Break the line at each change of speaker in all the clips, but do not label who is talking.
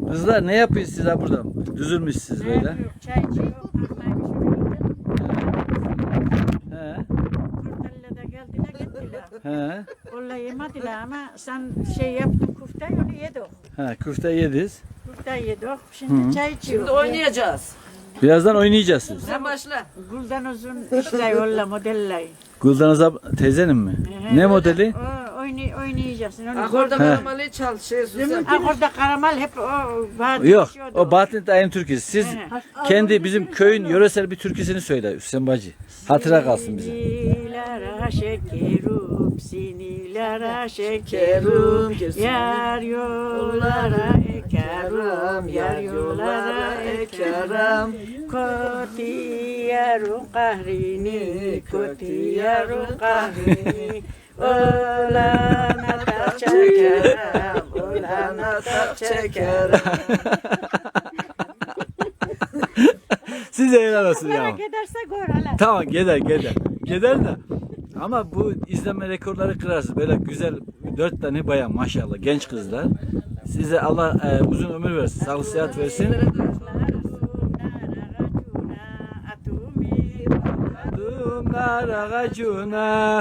Kızlar ne yapıyorsunuz siz ha burada? Düzülmüşsünüz böyle.
Çay içiyor.
He.
Kurtarla da geldiler gittiler.
He.
Vallahi yemediler ama sen şey yaptın kufteyi onu yedik.
He, küfte yediniz.
Kufteyi yedik. Şimdi çay içiyor.
Şimdi oynayacağız.
Birazdan oynayacağız.
Sen başla.
Gülden uzun işte yolla modeller.
Gülden Azap teyzenin mi? Ne modeli?
Oynayacaksın. Onu
Akorda
He.
karamalı çal şey Suzan.
Akorda karamal hep o var.
Yok. O Bahattin Dayı'nın türküsü. Siz
He.
kendi bizim köyün yöresel bir türküsünü söyle Hüseyin Bacı. Hatıra kalsın bize.
Sinilere şekerim, sinilere şekerim, yar yollara ekerim, yar yollara ekerim. Kotiyarun kahrini, kotiyarun kahrini, olana tak çekerim, olana tak çekerim.
Size helal olsun ya.
Giderse gör hala.
Tamam gider. Gider de. Ama bu izlenme rekorları kırarsınız. Böyle güzel 4 tane bayan maşallah genç kızlar. Size Allah uzun ömür versin. Sağlık sıhhat versin. Dumlar ağacına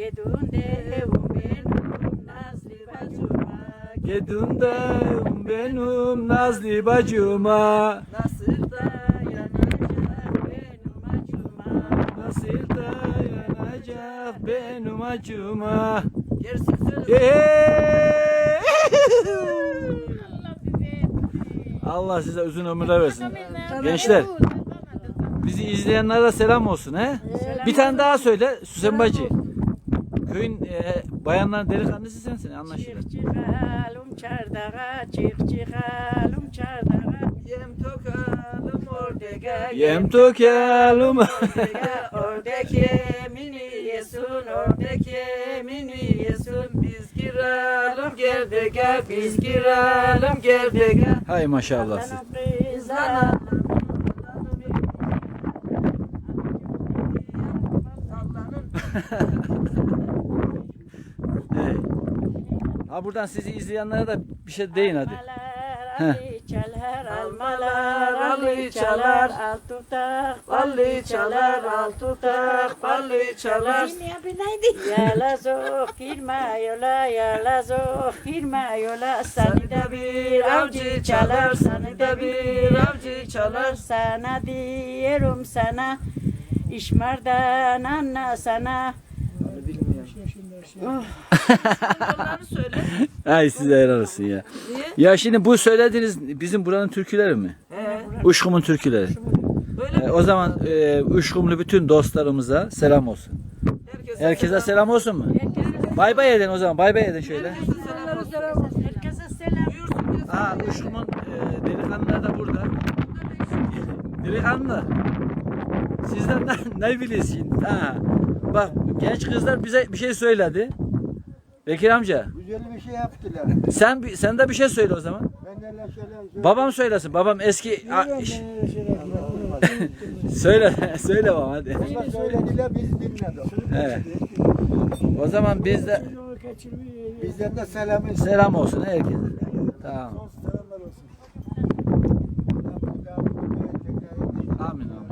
Gedunda benim nazlı bacıma
Nasıl
Nasıl dayanacak benim acıma
Gerisi söyle.
Allah size uzun ömürler versin. Gençler bizi izleyenlere selam olsun he. Bir tane daha söyle Süsen Bacı. Köyün bayanların delikanlısı sensin anlaşılır.
Çıkalım çardağa, çıkalım çardağa.
Yem tokalım ortega.
Yem tokalım.
Oradaki yemini yesun, oradaki yemini yesun. Biz giralım gerdege, biz giralım gerdege.
Hay maşallah siz.
Sana
Evet. Ha buradan sizi izleyenlere de bir şey deyin hadi.
Ali çalar, almalar, Ali çalar, al tutak,
ballı çalar, al tutak, ballı çalar.
Yalazo girme yola, yalazo girme yola. Seni de bir avcı çalar, seni de bir avcı çalar. Sana diyorum sana, işmardan anla sana.
Onları söyle.
Ay size helal olsun ya.
Niye?
Ya şimdi bu söylediğiniz bizim buranın türküleri mi? Uşkum'un türküleri.
Böyle
O zaman Uşkumlu bütün dostlarımıza selam olsun. Herkese selam olsun mu? Bay bay edin o zaman. Bay bay edin şöyle.
Herkese selam.
Aa Uşkum'un delikanlılar da burada. Delikanlı. Sizden ne biliyorsun? Ha. Bak genç kızlar bize bir şey söyledi. Bekir amca.
Güzel bir şey yaptılar.
Sen de bir şey söyle o zaman.
Ben de öyle şeyler
Babam söylesin. Babam eski söyle babam hadi.
Onlar söylediler biz dinledik.
Evet. O zaman
Bizden de selamı
selam olsun herkese. Tamam.
selamlar olsun.
Amin amin.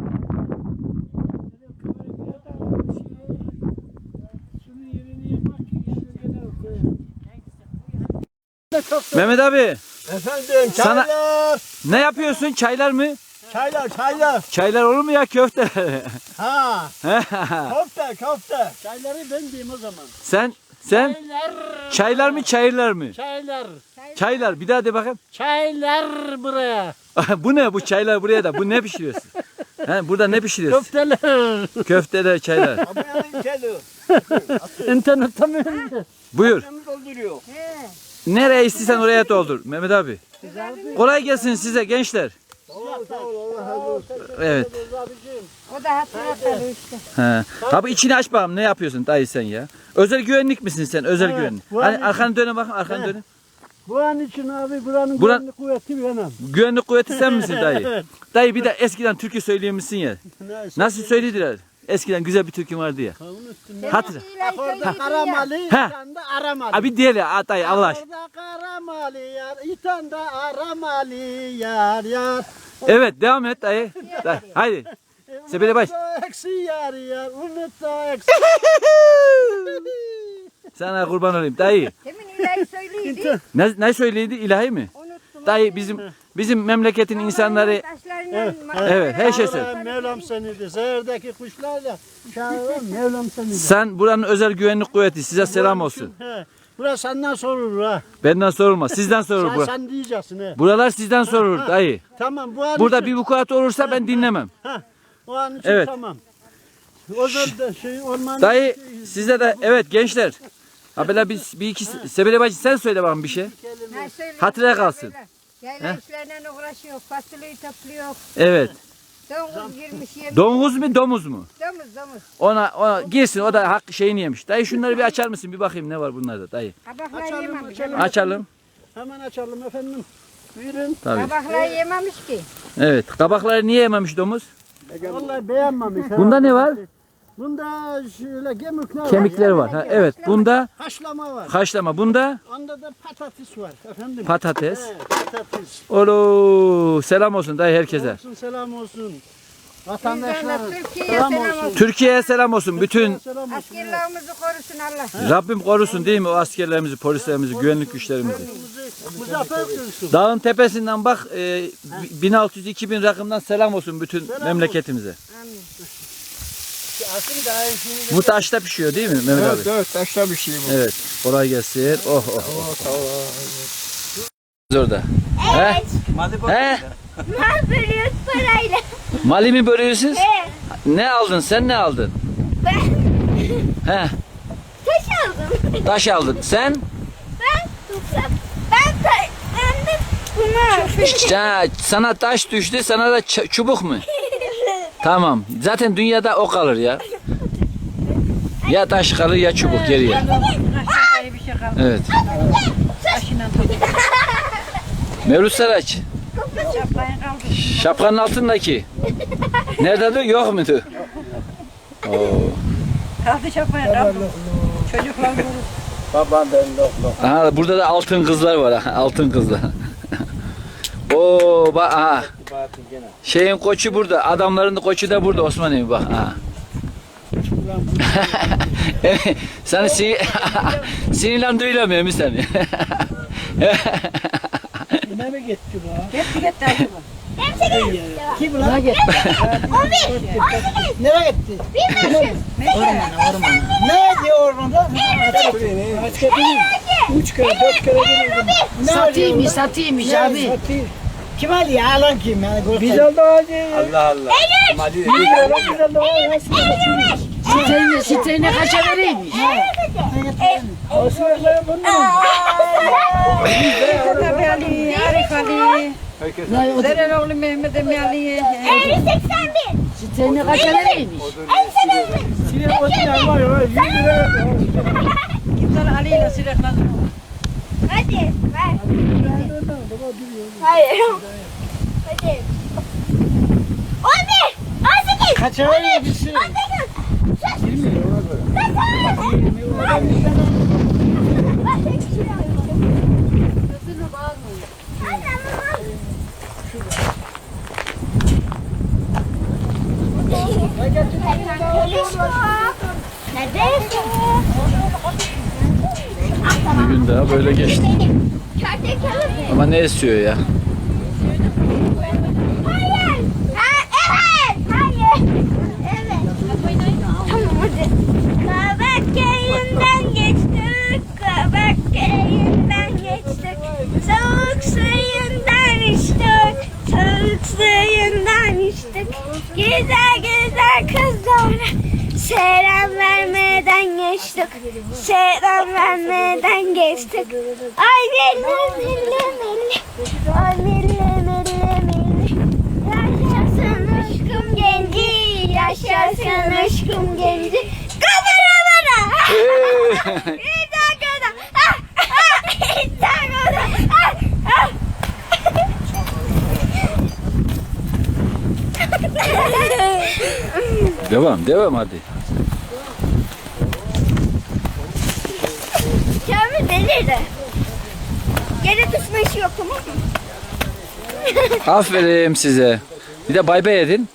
Mehmet abi
Efendim
Sana-
çaylar.
ne yapıyorsun? Çaylar mı?
Çaylar.
Çaylar olur mu ya köfte?
Ha. Köfte. Çayları ben diyeyim o zaman.
sen çaylar mı çayırlar mı?
Çaylar.
Çaylar bir daha de bakayım.
Çaylar buraya.
Bu ne bu çaylar buraya da bu ne pişiriyorsun? He, burada ne pişiriyorsun?
Köfteler.
Köfteler çaylar.
Ama yani kedi.
İnternette mi?
Buyur.
Dolduruyor.
Nereye istersen oraya doldur Mehmet abi. Kolay gelsin size gençler.
Sağ ol Allah razı olsun.
Evet.
O da hatırlatıyor işte.
He. Abi içini aç bakalım ne yapıyorsun dayı sen ya? Özel güvenlik misin sen? Özel
Evet,
güvenlik.
bu
Hani
an-
arkanı döne bakın arkanı döne.
Bu an için abi buranın
Buran-
güvenlik kuvveti benim.
Güvenlik kuvveti sen misin dayı? Dayı bir de eskiden türkü söyleyemişsin ya.
Neyse.
Nasıl söylediler? Eskiden güzel bir türkü vardı ya.
Kavun üstünde.
Hatırla.
Bak orada karamalı,
Ha.
itanda aramalı.
Abi diyelim dayı Allah aşkına.
Orada karamalı yar, itanda aramalı yar yar.
Evet devam et dayı. Dayı, haydi. Sebele baş.
Unuttu eksi yar yar, unuttu eksi.
Sana kurban olayım dayı.
Demin ilahi söyleydi.
Ne söyledi ilahi mi?
Unuttum.
Dayı bizim memleketin insanları evet her şey söyle.
Şahırım Mevlam senidir. Sehirdeki kuşlarla şahırım Mevlam senidir.
Sen buranın özel güvenlik kuvveti size selam olsun.
He. Burası senden sorulur ha.
Benden sorulmaz. Sizden sorulur.
Sen,
Bura.
sen diyeceksin he.
Buralar sizden sorulur dayı.
Tamam bu an
Burada
için,
bir vukuat olursa ben dinlemem.
o an için
Evet.
tamam. O zaman orman
Dayı size de evet gençler. Ha böyle bir iki Sebele bacı sen söyle bana bir şey. Hatıra kalsın.
Yayla işlerine uğraşıyor. Fasulyeyi topluyor.
Evet.
Domuz girmiş yemiş.
Domuz mu domuz mu?
Domuz.
Ona girsin o da hak şeyini yemiş. Dayı şunları bir açar mısın bir bakayım ne var bunlarda dayı.
Kabaklar
Açalım,
yememiş.
açalım.
Açalım.
hemen açalım efendim. Buyurun.
Tabii.
Kabaklar yememiş ki.
Evet. Kabakları niye yememiş domuz?
Vallahi beğenmemiş. ha.
Bunda ne var?
Bunda şöyle gemikler var.
Kemikleri var. Ha, evet. Bunda
Haşlama var.
haşlama. Bunda
Onda da patates var efendim.
patates.
He, patates.
Olo selam olsun dayı herkese.
Olsun selam olsun.
Bizden
Vatandaşlar
de Türkiye'ye
selam
selam
olsun.
olsun.
Türkiye'ye selam olsun. Bütün
Selam olsun.
Askerlerimizi korusun Allah.
Rabbim korusun değil mi o askerlerimizi, polislerimizi, güvenlik güçlerimizi.
Muzaffer kılsın.
Dağın tepesinden bak 1600-2000 rakımdan selam olsun bütün memleketimize.
Asıl daha şimdi.
Bu taşta pişiyor değil mi Mehmet abi?
Evet taşla bir şey bu.
Evet. Kolay gelsin. Oh oh. Orada. He? He?
Ne bölüyoruz parayla?
Mali mi bölüyorsunuz?
Evet.
Ne aldın? Sen ne aldın?
Ben
He?
taş aldım.
Taş aldın. Sen?
Ben tutsam. Ben de bunu.
Sana taş düştü, sana da çubuk mu? Tamam. Zaten dünyada o kalır ya. Ya taş kalır ya çubuk geriye.
Aşağıya bir şey kalmadı.
Evet.
Taşıyla topluyor.
Mevlüt Saraç.
Şapkayı kaldı.
Şapkanın altındaki. Nerede yok muydu? Oo.
Kaldı şapkayı kaldı. Çocuklar vurur.
Babam ben loklo.
Aha, burada da altın kızlar var. Aha, altın kızlar. Oo bak aha. Şeyin koçu burada. Adamların da koçu da burada Osman Emin bak. Aha. Seni sinirlen duyulamıyorum seni.
Ne mi gitti bu?
Gitti acaba.
Kim lan?
Gitti.
18.
Nereye gitti?
Bilmiyorsun.
Ne diyor ormanda? Üç kere, dört kere gelirdim.
Satayım abi.
Kim alıyor? Alan kim? Biz aldı hacı.
Allah Allah.
Siteyine kaça vereyim? Tabii Ali, Arif Ali. Zereroğlu Mehmet Emi Ali.
81.
Siteyine kaça vereyim?
81.
Kimler Ali ile silahlanıyor.
Hadi ver. Hayır. Hadi. 11. 18.
Kaça veriyor bir şey?
18.
Bir gün daha böyle geçti. Ama ne esiyor ya?
Hayır. Evet. Hayır. Evet. Tamam hadi. Kabak köyünden geçtik. Kabak köyünden geçtik. Soğuk suyundan içtik. Soğuk suyundan içtik. Güzel güzel kızlara selam vermeden geçtik. Selam vermeden geçtik. Ay milli milli milli. Ay milli milli milli. Yaşasın aşkım genci. Yaşasın aşkım genci. Kameralara. Bir dakika da. Bir dakika da.
Devam hadi.
Kamil delirdi. Yere düşme işi yok, tamam mı?
Aferin size. Bir de bay bay edin.